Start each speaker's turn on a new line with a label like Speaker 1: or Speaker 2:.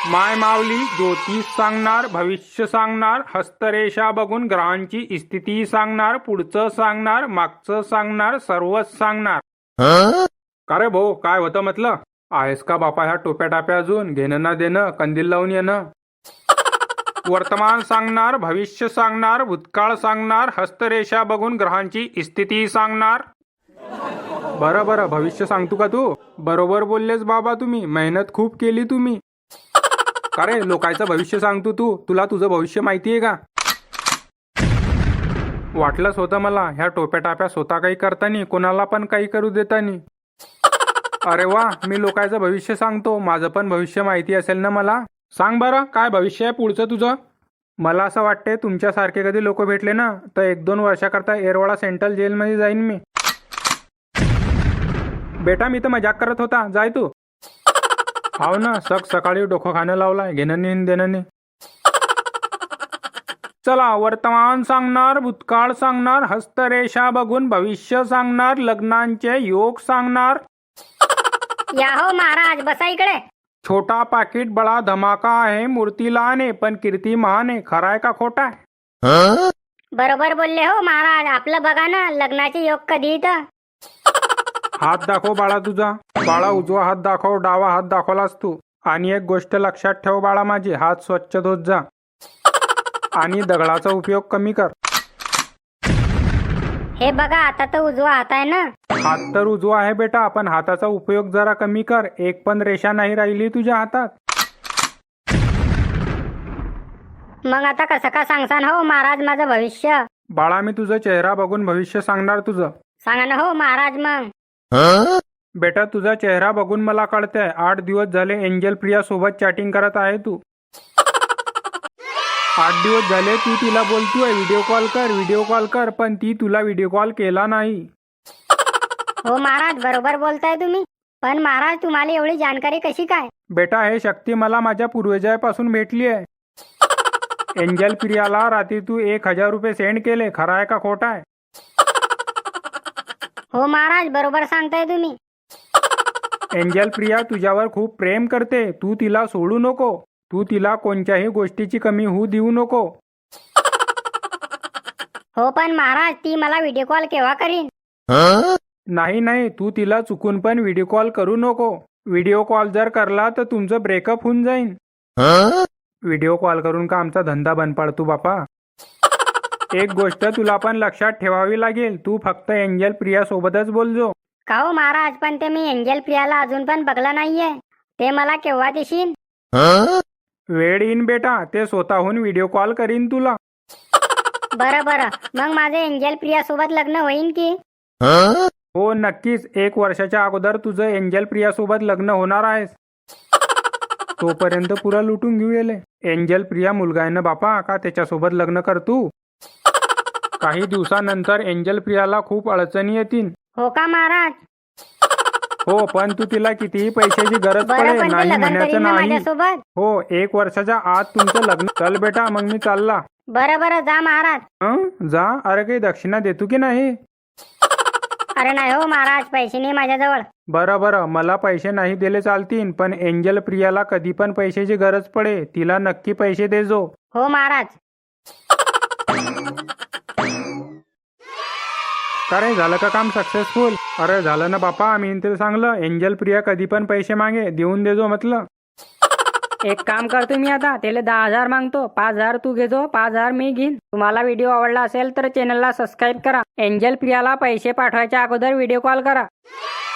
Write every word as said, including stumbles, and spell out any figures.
Speaker 1: माय माऊली ज्योतिष सांगणार, भविष्य सांगणार, हस्तरेषा बघून ग्रहांची स्थिती सांगणार, पुढचं सांगणार, मागचं सांगणार, सर्वच सांगणार. का रे भाऊ, काय होतं म्हटलं? आहेस का बापा ह्या टोप्या टाप्या अजून घेणं ना देणं, कंदील लावून येणं? वर्तमान सांगणार, भविष्य सांगणार, भूतकाळ सांगणार, हस्तरेषा बघून ग्रहांची स्थिती सांगणार. बरं बरं, भविष्य सांगतो का तू? बरोबर बोललेस बाबा, तुम्ही मेहनत खूप केली तुम्ही. का रे लोकांचं भविष्य सांगतो तू? तुला तुझं भविष्य माहितीये का? वाटलंच होतं मला, ह्या टोप्या टाप्या स्वतः काही करतानी कोणाला पण काही करू देतानी. अरे वा, मी लोकांचं भविष्य सांगतो, माझं पण भविष्य माहिती असेल ना मला. सांग बरं, काय भविष्य आहे पुढचं तुझं? मला असं वाटते तुमच्यासारखे कधी लोक भेटले ना तर एक दोन वर्षाकरता येरवाडा सेंट्रल जेलमध्ये जाईन मी. बेटा मी तर मजाक करत होता, जाय तू. हाव ना, सक सकाळी डोकं खाणं लावलाय, घेणं नाही देणं नाही. चला, वर्तमान सांगणार, भूतकाळ सांगणार, हस्तरेषा बघून भविष्य सांगणार, लग्नांचे योग सांगणार.
Speaker 2: या हो महाराज, बसा इकडे.
Speaker 1: छोटा पाकिट बडा धमाका आहे, मूर्ती लहान आहे पण कीर्ती महान आहे. खरा आहे का खोटा आहे?
Speaker 2: बरोबर बोलले हो महाराज. आपलं बघा ना, लग्नाचे योग कधी इथं.
Speaker 1: हात दाखव बाळा तुझा. बाळा उजवा हात दाखव, डावा हात दाखवलास तू. आणि एक गोष्ट लक्षात ठेव बाळा माझी, हात स्वच्छ धुत जा आणि दगडाचा उपयोग कमी कर.
Speaker 2: हे बघा, आता तर उजवा हात आहे ना.
Speaker 1: हात तर उजवा आहे बेटा, पण हाताचा उपयोग जरा कमी कर. एक पण रेषा नाही राहिली तुझ्या हातात.
Speaker 2: मग आता कसं का सांगसान हो महाराज माझं भविष्य?
Speaker 1: बाळा मी तुझा चेहरा बघून भविष्य सांगणार तुझं.
Speaker 2: सांगा ना हो महाराज. मग
Speaker 1: बेटा तुझा चेहरा बघून मला कळतंय, आठ दिवस झाले एंजल प्रिया सोबत चॅटिंग करत आहे तू. आठ दिवस झाले तू तिला बोलतोय व्हिडिओ कॉल कर, व्हिडिओ कॉल कर, पण ती तुला व्हिडिओ कॉल केला नाही.
Speaker 2: हो महाराज, बरोबर बोलताय तुम्ही. पण महाराज तुम्हाला एवढी जानकारी कशी काय?
Speaker 1: बेटा हे शक्ती मला माझ्या पूर्वजापासून भेटली आहे. एंजल प्रियाला रात्री तू एक हजार रुपये सेंड केले, खरा आहे का खोटा आहे?
Speaker 2: हो महाराज, बरोबर सांगताय तुम्ही.
Speaker 1: एंजल प्रिया तुझ्यावर खूप प्रेम करते, तू तिला सोडू नको. तू तिला कोणत्याही गोष्टीची कमी होऊ देऊ नको.
Speaker 2: हो पण महाराज, ती मला व्हिडिओ कॉल केव्हा करीन?
Speaker 1: नाही नाही, तू तिला चुकून पण व्हिडिओ कॉल करू नको. व्हिडिओ कॉल जर करला तर तुमचं ब्रेकअप होऊन जाईन. व्हिडिओ कॉल करून का आमचा धंदा बंद पाडतो बापा? एक गोष्ट तुला पण लक्षात ठेवावी लागेल, तू फक्त एंजल प्रिया सोबतच बोलजो.
Speaker 2: का हो महाराज, पण ते मी एंजल प्रियाला अजून पण बघला नाहीये. ते मला केव्हा देशील?
Speaker 1: वेळ येईन बेटा, ते स्वतःहून व्हिडिओ कॉल करीन तुला.
Speaker 2: बरं बरं, मग माझे एंजल प्रिया सोबत लग्न होईन की?
Speaker 1: हो नक्कीच, एक वर्षाच्या अगोदर तुझं एंजल प्रिया सोबत लग्न होणार आहेस. तोपर्यंत पुरा लुटून घेऊ येले. एंजल प्रिया मुलगा आहे ना बापा, का त्याच्यासोबत लग्न कर तू. काही दिवसानंतर एंजल प्रियाला खूप अडचणी येतील.
Speaker 2: हो का महाराज?
Speaker 1: हो, पण तू तिला कितीही पैशाची गरज
Speaker 2: बरं,
Speaker 1: पडे
Speaker 2: पण ते
Speaker 1: नाही
Speaker 2: लग्न
Speaker 1: म्हणायचं
Speaker 2: करीन ना
Speaker 1: नाही.
Speaker 2: माझ्यासोबत.
Speaker 1: हो, एक वर्षाच्या आत तुमचं लग्न. चल बेटा, मग मी चालला.
Speaker 2: बरं बरं, जा महाराज.
Speaker 1: हं जा. अरे काही दक्षिणा देतो की नाही?
Speaker 2: अरे नाही हो महाराज, पैसे नाही माझ्याजवळ.
Speaker 1: बरं बरं, मला पैसे नाही दिले चालतील, पण एंजल प्रियाला कधी पण पैशाची गरज पडे तिला नक्की पैसे देजो.
Speaker 2: हो महाराज.
Speaker 1: का रे, झालं का काम सक्सेसफुल? अरे झालं ना बापा, मी तिला सांगलं एंजल प्रिया कधी पण पैसे मागे देऊन देजो म्हटलं.
Speaker 3: एक काम करतो मी आता, त्याला दहा हजार मागतो, पाच हजार तू घेजो, पाच हजार मी घेईन. तुम्हाला व्हिडिओ आवडला असेल तर चॅनलला सबस्क्राईब करा. एंजल प्रियाला पैसे पाठवायच्या अगोदर व्हिडिओ कॉल करा.